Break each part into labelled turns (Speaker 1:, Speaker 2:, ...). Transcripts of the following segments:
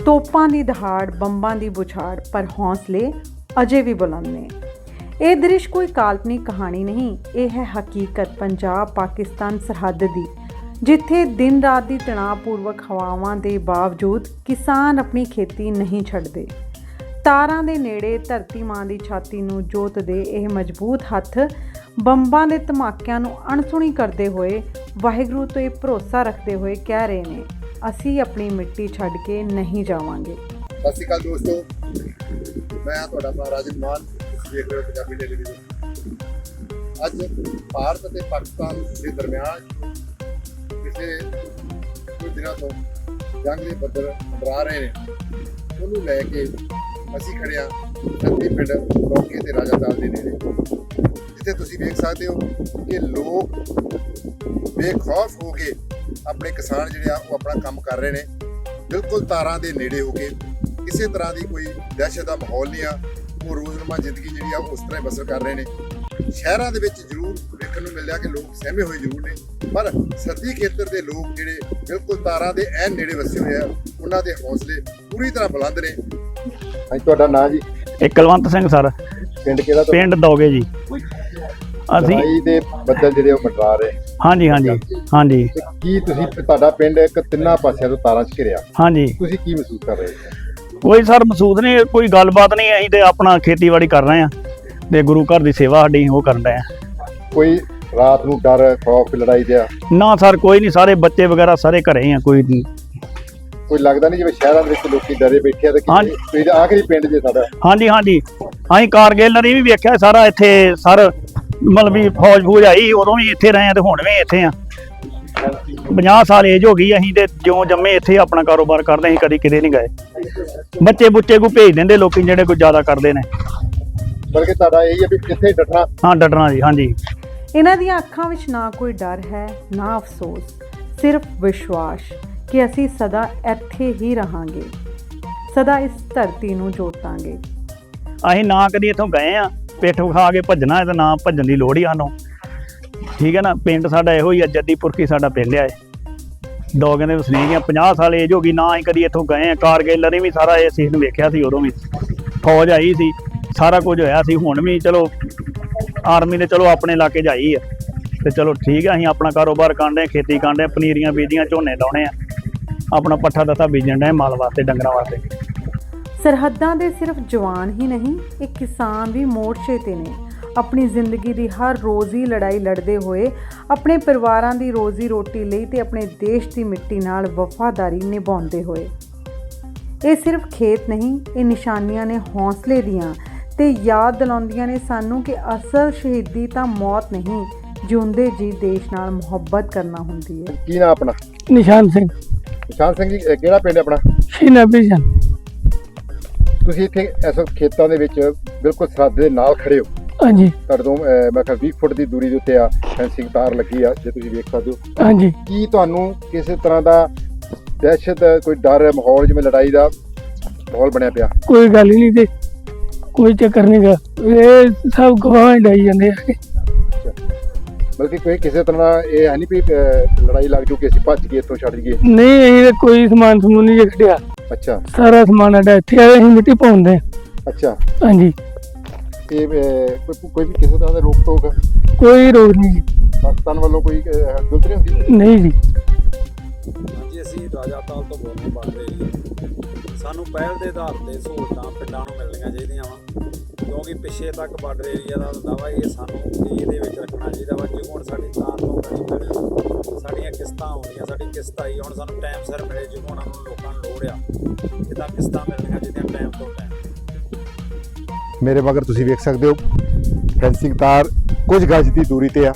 Speaker 1: ਤੋਪਾਂ ਦੀ ਦਹਾੜ, ਬੰਬਾਂ ਦੀ ਬੁਛਾੜ, ਪਰ ਹੌਸਲੇ ਅਜੇ ਵੀ ਬੁਲੰਦ ਨੇ। ਇਹ ਦ੍ਰਿਸ਼ ਕੋਈ ਕਾਲਪਨਿਕ ਕਹਾਣੀ ਨਹੀਂ, ਇਹ ਹੈ ਹਕੀਕਤ ਪੰਜਾਬ ਪਾਕਿਸਤਾਨ ਸਰਹੱਦ ਦੀ, ਜਿੱਥੇ ਦਿਨ ਰਾਤ ਦੀ ਤਣਾਅਪੂਰਵਕ ਹਵਾਵਾਂ ਦੇ ਬਾਵਜੂਦ ਕਿਸਾਨ ਆਪਣੀ ਖੇਤੀ ਨਹੀਂ ਛੱਡਦੇ। ਤਾਰਾਂ ਦੇ ਨੇੜੇ ਧਰਤੀ ਮਾਂ ਦੀ ਛਾਤੀ ਨੂੰ ਜੋਤਦੇ ਇਹ ਮਜ਼ਬੂਤ ਹੱਥ ਬੰਬਾਂ ਦੇ ਧਮਾਕਿਆਂ ਨੂੰ ਅਣਸੁਣੀ ਕਰਦੇ ਹੋਏ ਵਾਹਿਗੁਰੂ ਤੋਂ ਇਹ ਭਰੋਸਾ ਰੱਖਦੇ ਹੋਏ ਕਹਿ ਰਹੇ ਨੇ, ਅਸੀਂ ਆਪਣੀ ਮਿੱਟੀ ਛੱਡ ਕੇ ਨਹੀਂ ਜਾਵਾਂਗੇ।
Speaker 2: ਸਤਿ ਸ਼੍ਰੀ ਅਕਾਲ ਦੋਸਤੋ, ਮੈਂ ਹਾਂ ਤੁਹਾਡਾ ਆਪਣਾ ਰਾਜਨ ਮਾਨ, ਤੁਸੀਂ ਦੇਖ ਰਹੇ ਹੋ ਪੰਜਾਬੀ ਟੈਲੀਵਿਜ਼ਨ। ਅੱਜ ਭਾਰਤ ਅਤੇ ਪਾਕਿਸਤਾਨ ਦੇ ਦਰਮਿਆਨ ਪਿਛਲੇ ਕੁਝ ਦਿਨਾਂ ਤੋਂ ਜੰਗ ਦੇ ਬੱਦਲ ਮੰਡਰਾ ਰਹੇ ਨੇ, ਉਹਨੂੰ ਲੈ ਕੇ ਅਸੀਂ ਖੜੇ ਹਾਂ ਸੰਦੀ ਪਿੰਡ ਰੌਕੇ ਤੇ ਰਾਜਾਤਾਲ ਦੇ ਨੇੜੇ, ਜਿੱਥੇ ਤੁਸੀਂ ਵੇਖ ਸਕਦੇ ਹੋ ਕਿ ਲੋਕ ਬੇਖੌਫ ਹੋ ਕੇ ਆਪਣੇ ਕਿਸਾਨ ਜਿਹੜੇ ਆ ਉਹ ਆਪਣਾ ਕੰਮ ਕਰ ਰਹੇ ਨੇ, ਬਿਲਕੁਲ ਤਾਰਾਂ ਦੇ ਨੇੜੇ ਹੋ ਕੇ। ਕਿਸੇ ਤਰ੍ਹਾਂ ਦੀ ਕੋਈ ਦਹਿਸ਼ਤ ਦਾ ਮਾਹੌਲ ਨਹੀਂ ਆ, ਉਹ ਰੋਜ਼ਮਰਰਾ ਜ਼ਿੰਦਗੀ ਜਿਹੜੀ ਆ ਉਸ ਤਰ੍ਹਾਂ ਹੀ ਬਸਰ ਕਰ ਰਹੇ ਨੇ। ਸ਼ਹਿਰਾਂ ਦੇ ਵਿੱਚ ਜ਼ਰੂਰ ਵੇਖਣ ਨੂੰ ਮਿਲਿਆ ਕਿ ਲੋਕ ਸਹਿਮੇ ਹੋਏ ਜ਼ਰੂਰ ਨੇ, ਪਰ ਸਰਦੀ ਖੇਤਰ ਦੇ ਲੋਕ ਜਿਹੜੇ ਬਿਲਕੁਲ ਤਾਰਾਂ ਦੇ ਐਨ ਨੇੜੇ ਵਸੇ ਹੋਏ ਆ, ਉਹਨਾਂ ਦੇ ਹੌਸਲੇ ਪੂਰੀ ਤਰ੍ਹਾਂ ਬੁਲੰਦ ਨੇ। ਹਾਂਜੀ, ਤੁਹਾਡਾ ਨਾਂ ਜੀ?
Speaker 3: ਕੁਲਵੰਤ ਸਿੰਘ ਸਰ।
Speaker 2: ਪਿੰਡ ਕਿਹੜਾ?
Speaker 3: ਪਿੰਡ ਦੋਗੇ ਜੀ। ਅਸੀਂ
Speaker 2: ਦੇ ਬੱਦਲ ਜਿਹੜੇ ਉਹ ਮੰਡਰਾ ਰਹੇ।
Speaker 3: ਹਾਂਜੀ ਹਾਂਜੀ ਹਾਂਜੀ।
Speaker 2: ਕੀ ਤੁਸੀਂ, ਤੁਹਾਡਾ ਪਿੰਡ ਇੱਕ ਤਿੰਨਾਂ ਪਾਸਿਆਂ ਤੋਂ ਤਾਰਾਂ 'ਚ ਘਿਰਿਆ,
Speaker 3: ਹਾਂਜੀ,
Speaker 2: ਤੁਸੀਂ ਕੀ ਮਹਿਸੂਸ ਕਰ ਰਹੇ ਹੋ?
Speaker 3: ਕੋਈ ਸਰ ਮਹਿਸੂਸ ਨਹੀਂ, ਕੋਈ ਗੱਲਬਾਤ ਨਹੀਂ, ਅਸੀਂ ਤੇ ਆਪਣਾ ਖੇਤੀਬਾੜੀ ਕਰ ਰਹੇ ਆ ਤੇ ਗੁਰੂ ਘਰ ਦੀ ਸੇਵਾ ਸਾਡੀ ਉਹ ਕਰਨ ਰਹੇ ਆ।
Speaker 2: ਕੋਈ ਰਾਤ ਨੂੰ ਡਰ, ਖੌਫ, ਲੜਾਈ ਦਾ?
Speaker 3: ਨਾ ਸਰ, ਕੋਈ ਨਹੀਂ, ਸਾਰੇ ਬੱਚੇ ਵਗੈਰਾ ਸਾਰੇ ਘਰੇ ਆ।
Speaker 2: ਕੋਈ ਲੱਗਦਾ ਨਹੀਂ ਜਿਵੇਂ ਸ਼ਹਿਰਾਂ ਦੇ ਵਿੱਚ ਲੋਕੀ ਡਰੇ ਬੈਠੇ ਆ ਤੇ ਤੁਸੀਂ ਤਾਂ ਆਖਰੀ ਪਿੰਡ ਜੇ ਸਾਡਾ।
Speaker 3: ਹਾਂਜੀ ਹਾਂਜੀ, ਅਸੀਂ ਕਾਰਗਿਲ ਨਰੀ ਵੀ ਵੇਖਿਆ ਸਾਰਾ ਇੱਥੇ ਸਰ, ਮਤਲਬ ਵੀ ਫੌਜ ਆਈ ਉਦੋਂ ਵੀ ਇੱਥੇ ਰਹੇ ਆ ਤੇ ਹੁਣ ਵੀ ਇੱਥੇ ਆ। 50 ਸਾਲ ਏਜ ਹੋ ਗਈ, ਅਸੀਂ ਤੇ ਜਿਉਂ ਜੰਮੇ ਇੱਥੇ ਆਪਣਾ ਕਾਰੋਬਾਰ ਕਰਦੇ, ਅਸੀਂ ਕਦੀ ਕਿਤੇ ਨਹੀਂ ਗਏ। ਬੱਚੇ ਬੁੱਚੇ ਕੋ ਭੇਜ ਦਿੰਦੇ ਲੋਕੀ ਜਿਹੜੇ ਕੋਈ ਜ਼ਿਆਦਾ ਕਰਦੇ ਨੇ,
Speaker 2: ਬਲਕਿ ਤੁਹਾਡਾ ਇਹ ਹੈ ਵੀ ਕਿੱਥੇ ਡਟਣਾ।
Speaker 3: ਹਾਂ, ਡਟਣਾ ਜੀ। ਹਾਂਜੀ,
Speaker 1: ਇਹਨਾਂ ਦੀਆਂ ਅੱਖਾਂ ਵਿੱਚ ਨਾ ਕੋਈ ਡਰ ਹੈ, ਨਾ ਅਫਸੋਸ, ਸਿਰਫ ਵਿਸ਼ਵਾਸ ਕਿ ਅਸੀਂ ਸਦਾ ਇੱਥੇ ਹੀ ਰਹਾਂਗੇ, ਸਦਾ ਇਸ ਧਰਤੀ ਨੂੰ ਜੋਤਾਂਗੇ।
Speaker 3: ਅਸੀਂ ਨਾ ਕਦੀ ਇੱਥੋਂ ਗਏ ਆ ਪਿੱਠ ਖਾ ਕੇ ਭੱਜਣਾ ਹੈ, ਤਾਂ ਨਾ ਭੱਜਣ ਦੀ ਲੋੜ ਹੀ ਸਾਨੂੰ, ਠੀਕ ਹੈ ਨਾ। ਪਿੰਡ ਸਾਡਾ ਇਹੋ ਹੀ ਆ, ਜੱਦੀਪੁਰਕੀ ਸਾਡਾ ਪਿੰਡ ਆ, ਦੋਗੇ ਦੇ ਵਸਨੀਕ ਆ। 50 ਸਾਲ ਏਜ ਹੋ ਗਈ, ਨਾ ਅਸੀਂ ਕਦੀ ਇੱਥੋਂ ਗਏ ਆ। ਕਾਰਗਿਲ ਨੇ ਵੀ ਸਾਰਾ ਇਹ ਸੀਨ ਵੇਖਿਆ ਸੀ, ਉਦੋਂ ਵੀ ਫੌਜ ਆਈ ਸੀ, ਸਾਰਾ ਕੁਝ ਹੋਇਆ ਸੀ। ਹੁਣ ਵੀ ਚਲੋ ਆਰਮੀ ਨੇ ਚਲੋ ਆਪਣੇ ਇਲਾਕੇ 'ਚ ਆਈ ਆ ਤੇ ਚਲੋ ਠੀਕ ਆ, ਅਸੀਂ ਆਪਣਾ ਕਾਰੋਬਾਰ ਕਰਦੇ ਆ, ਖੇਤੀ ਕਰਦੇ ਆ, ਪਨੀਰੀਆਂ ਬੀਜੀਆਂ, ਝੋਨੇ ਲਾਉਣੇ ਆ, ਆਪਣਾ ਪੱਠਾ ਦੱਥਾ ਬੀਜਣ ਡਏ ਮਾਲ ਵਾਸਤੇ, ਡੰਗਰਾਂ ਵਾਸਤੇ।
Speaker 1: ਸਰਹੱਦਾਂ ਦੇ ਸਿਰਫ ਜਵਾਨ ਹੀ ਨਹੀਂ, ਇਹ ਕਿਸਾਨ ਵੀ ਮੋਰਚੇ ਤੇ ਨੇ, ਆਪਣੀ ਜ਼ਿੰਦਗੀ ਦੀ ਹਰ ਰੋਜ਼ੀ ਲੜਾਈ ਲੜਦੇ ਹੋਏ ਆਪਣੇ ਪਰਿਵਾਰਾਂ ਦੀ ਰੋਜ਼ੀ ਰੋਟੀ ਲਈ ਤੇ ਆਪਣੇ ਦੇਸ਼ ਦੀ ਮਿੱਟੀ ਨਾਲ ਵਫਾਦਾਰੀ ਨਿਭਾਉਂਦੇ ਹੋਏ। ਇਹ ਸਿਰਫ ਖੇਤ ਨਹੀਂ, ਇਹ ਨਿਸ਼ਾਨੀਆਂ ਨੇ ਹੌਸਲੇ ਦੀਆਂ ਤੇ ਯਾਦ ਦਿਲਾਉਂਦੀਆਂ ਨੇ ਸਾਨੂੰ ਕਿ ਅਸਲ ਸ਼ਹੀਦੀ ਤਾਂ ਮੌਤ ਨਹੀਂ, ਜਿਉਂਦੇ ਜੀ ਦੇਸ਼ ਨਾਲ ਮੁਹੱਬਤ ਕਰਨਾ ਹੁੰਦੀ ਹੈ।
Speaker 2: ਕੀ ਨਾਮ ਆਪਣਾ?
Speaker 3: ਨਿਸ਼ਾਨ ਸਿੰਘ।
Speaker 2: ਨਿਸ਼ਾਨ ਸਿੰਘ ਜੀ, ਕਿਹੜਾ ਪਿੰਡ ਆਪਣਾ?
Speaker 3: ਸ਼ੀਨਾਬੀਜਨ।
Speaker 2: ਤੁਸੀਂ ਇੱਥੇ ਇਸ ਖੇਤਾਂ ਦੇ ਵਿੱਚ ਬਿਲਕੁਲ ਸਰਹੱਦ ਦੇ ਨਾਲ ਖੜੇ ਹੋ।
Speaker 3: ਹਾਂਜੀ।
Speaker 2: ਤੁਹਾਡੇ ਤੋਂ ਮੈਂ ਕਿਹਾ 20 ਫੁੱਟ ਦੀ ਦੂਰੀ ਦੇ ਉੱਤੇ ਆ ਫੈਂਸਿੰਗ ਤਾਰ ਲੱਗੀ ਆ, ਜੇ ਤੁਸੀਂ ਵੇਖ ਸਕਦੇ ਹੋ।
Speaker 3: ਹਾਂਜੀ।
Speaker 2: ਕੀ ਤੁਹਾਨੂੰ ਕਿਸੇ ਤਰ੍ਹਾਂ ਦਾ ਦਹਿਸ਼ਤ, ਕੋਈ ਡਰ, ਮਾਹੌਲ ਜਿਵੇਂ ਲੜਾਈ ਦਾ ਮਾਹੌਲ ਬਣਿਆ ਪਿਆ?
Speaker 3: ਕੋਈ ਗੱਲ ਹੀ ਨਹੀਂ ਤੇ ਕੋਈ ਚੱਕਰ ਨਹੀਂ ਗਾ, ਇਹ ਸਭ ਗਵਾਹ ਡਾਈ ਜਾਂਦੇ ਆ।
Speaker 2: ਬਲਕਿ ਕੋਈ ਕਿਸੇ ਤਰ੍ਹਾਂ ਦਾ ਇਹ ਹੈ ਨਹੀਂ ਵੀ ਲੜਾਈ ਲੱਗ ਜੂ ਕਿ ਅਸੀਂ ਭੱਜ ਕੇ ਇੱਥੋਂ ਛੱਡ ਜਾਈਏ?
Speaker 3: ਨਹੀਂ, ਅਸੀਂ ਕੋਈ ਸਮਾਨ ਸਮੂਨ ਨਹੀਂ ਕੱਢਿਆ।
Speaker 2: ਅੱਛਾ,
Speaker 3: ਸਾਰਾ ਸਮਾਨ ਸਾਡਾ ਇੱਥੇ ਆਇਆ, ਅਸੀਂ ਮਿੱਟੀ ਪਾਉਂਦੇ।
Speaker 2: ਅੱਛਾ।
Speaker 3: ਹਾਂਜੀ।
Speaker 2: ਇਹ ਕੋਈ ਵੀ ਕਿਸੇ ਤਰ੍ਹਾਂ ਦਾ ਰੋਕ ਟੋਕ
Speaker 3: ਕੋਈ ਰੋਕ ਨਹੀਂ ਜੀ,
Speaker 2: ਪਾਕਿਸਤਾਨ ਵੱਲੋਂ ਕੋਈ ਗਲਤ ਨਹੀਂ ਹੁੰਦੀ?
Speaker 3: ਨਹੀਂ ਜੀ।
Speaker 4: ਹਾਂਜੀ, ਅਸੀਂ ਰਾਜਾਤਾਲ ਤੋਂ ਬੋਲਦੇ ਬਾਰਡਰ ਏਰੀਆ। ਸਾਨੂੰ ਪਹਿਲ ਦੇ ਆਧਾਰ ਤੇ ਸਹੂਲਤਾਂ ਪਿੰਡਾਂ ਨੂੰ ਮਿਲਣੀਆਂ ਚਾਹੀਦੀਆਂ ਵਾ, ਕਿਉਂਕਿ ਪਿੱਛੇ ਤੱਕ ਬਾਰਡਰ ਏਰੀਆ ਦਾ ਹੁੰਦਾ ਵਾ, ਇਹ ਸਾਨੂੰ ਇਹਦੇ ਵਿੱਚ ਰੱਖਣਾ ਚਾਹੀਦਾ ਵਾ। ਜੇ ਹੁਣ ਸਾਡੀ ਤਾਰ ਤੋਂ ਬਣੀ ਸਾਡੀਆਂ ਕਿਸ਼ਤਾਂ ਆਉਂਦੀਆਂ, ਸਾਡੀ ਕਿਸ਼ਤ ਆਈ, ਹੁਣ ਸਾਨੂੰ ਟਾਈਮ ਸਿਰ ਮਿਲੇ, ਜੇ ਉਹਨਾਂ ਨੂੰ ਲੋਕਾਂ ਨੂੰ ਲੋੜ ਆ, ਜਿੱਦਾਂ ਕਿਸ਼ਤਾਂ ਮਿਲਣੀਆਂ ਚਾਹੀਦੀਆਂ ਟਾਈਮ ਤੋਂ ਟਾਈਮ।
Speaker 2: ਮੇਰੇ ਮਗਰ ਤੁਸੀਂ ਵੇਖ ਸਕਦੇ ਹੋ ਫੈਂਸਿੰਗ ਤਾਰ ਕੁਝ ਗਜ ਦੀ ਦੂਰੀ ਤੇ ਆ,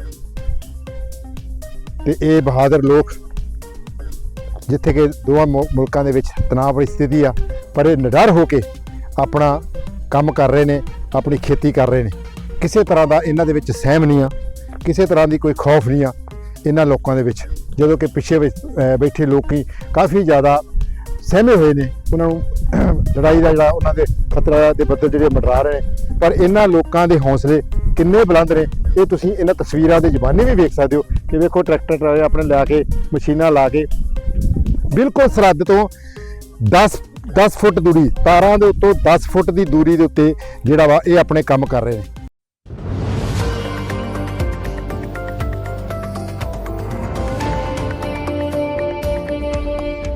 Speaker 2: ਤੇ ਇਹ ਬਹਾਦਰ ਲੋਕ ਜਿੱਥੇ ਕਿ ਦੋਵਾਂ ਮੁਲਕਾਂ ਦੇ ਵਿੱਚ ਤਣਾਅ ਵਾਲੀ ਸਥਿਤੀ ਆ, ਪਰ ਇਹ ਨਿਡਰ ਹੋ ਕੇ ਆਪਣਾ ਕੰਮ ਕਰ ਰਹੇ ਨੇ, ਆਪਣੀ ਖੇਤੀ ਕਰ ਰਹੇ ਨੇ। ਕਿਸੇ ਤਰ੍ਹਾਂ ਦਾ ਇਹਨਾਂ ਦੇ ਵਿੱਚ ਸਹਿਮ ਨਹੀਂ ਆ, ਕਿਸੇ ਤਰ੍ਹਾਂ ਦੀ ਕੋਈ ਖੌਫ ਨਹੀਂ ਆ ਇਹਨਾਂ ਲੋਕਾਂ ਦੇ ਵਿੱਚ। ਜਦੋਂ ਕਿ ਪਿੱਛੇ ਬੈਠੇ ਲੋਕੀ ਕਾਫੀ ਜ਼ਿਆਦਾ ਸਹਿਮੇ ਹੋਏ ਨੇ, ਉਹਨਾਂ ਨੂੰ ਲੜਾਈ ਦਾ ਜਿਹੜਾ ਉਹਨਾਂ ਦੇ ਖਤਰਾ ਦੇ ਬੱਦਲ ਜਿਹੜੇ ਮੰਡਰਾ ਰਹੇ ਨੇ, ਪਰ ਇਹਨਾਂ ਲੋਕਾਂ ਦੇ ਹੌਸਲੇ ਕਿੰਨੇ ਬੁਲੰਦ ਨੇ ਇਹ ਤੁਸੀਂ ਇਹਨਾਂ ਤਸਵੀਰਾਂ ਦੇ ਜ਼ਮਾਨੇ ਵੀ ਵੇਖ ਸਕਦੇ ਹੋ ਕਿ ਵੇਖੋ ਟਰੈਕਟਰ ਆਪਣੇ ਲਾ ਕੇ, ਮਸ਼ੀਨਾਂ ਲਾ ਕੇ ਬਿਲਕੁਲ ਸਰਹੱਦ ਤੋਂ
Speaker 5: 10 ਫੁੱਟ ਦੂਰੀ ਤਾਰਾਂ ਦੇ ਉੱਤੋਂ 10 ਫੁੱਟ ਦੀ ਦੂਰੀ ਦੇ ਉੱਤੇ ਜਿਹੜਾ ਵਾ ਇਹ ਆਪਣੇ ਕੰਮ ਕਰ ਰਹੇ ਨੇ।